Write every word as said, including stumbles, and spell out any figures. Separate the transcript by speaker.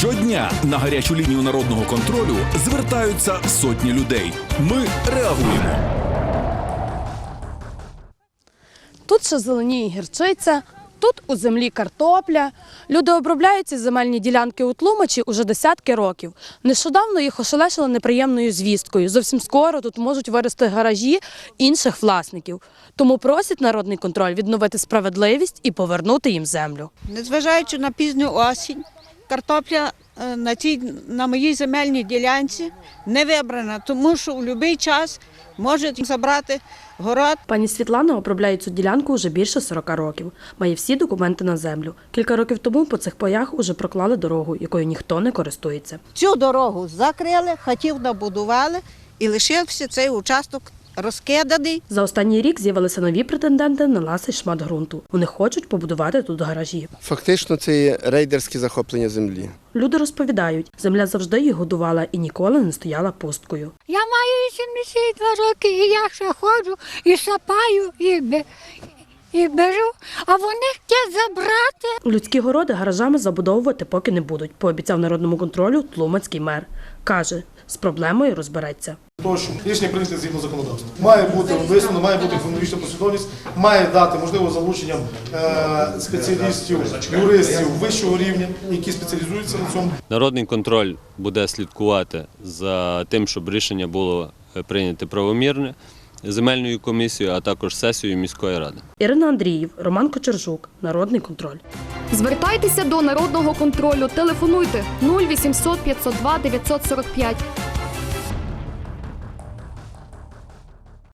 Speaker 1: Щодня на гарячу лінію народного контролю звертаються сотні людей. Ми реагуємо.
Speaker 2: Тут ще зеленіє гірчиця, тут у землі картопля. Люди обробляють ці земельні ділянки у Тлумачі уже десятки років. Нещодавно їх ошелешили неприємною звісткою. Зовсім скоро тут можуть вирости гаражі інших власників. Тому просять народний контроль відновити справедливість і повернути їм землю.
Speaker 3: Незважаючи на пізню осінь, картопля на цій, на моїй земельній ділянці не вибрана, тому що у будь-який час можуть забрати город.
Speaker 2: Пані Світлана обробляє цю ділянку вже більше сорока років. Має всі документи на землю. Кілька років тому по цих паях уже проклали дорогу, якою ніхто не користується.
Speaker 3: Цю дорогу закрили, хатів набудували і лишився цей участок розкиданий.
Speaker 2: За останній рік з'явилися нові претенденти на ласий шмат ґрунту. Вони хочуть побудувати тут гаражі.
Speaker 4: Фактично це є рейдерське захоплення землі.
Speaker 2: Люди розповідають, земля завжди їх годувала і ніколи не стояла пусткою.
Speaker 5: Я маю вісімдесят два роки, і я ще ходжу, і сапаю, і, бе, і беру, а вони хочуть забрати.
Speaker 2: Людські городи гаражами забудовувати поки не будуть, пообіцяв народному контролю тлумацький мер. Каже, з проблемою розбереться.
Speaker 6: Прошу, рішення прийняти згідно законодавства. Має бути висновлено, має бути хронологічна послідовність, має дати, можливо, залученням е спеціалістів, юристів вищого рівня, які спеціалізуються на цьому.
Speaker 7: Народний контроль буде слідкувати за тим, щоб рішення було прийнято правомірне земельною комісією, а також сесією міської ради.
Speaker 2: Ірина Андріїв, Роман Кочержук, Народний контроль.
Speaker 8: Звертайтеся до Народного контролю, телефонуйте нуль вісімсот п'ятсот два дев'ятсот сорок п'ять.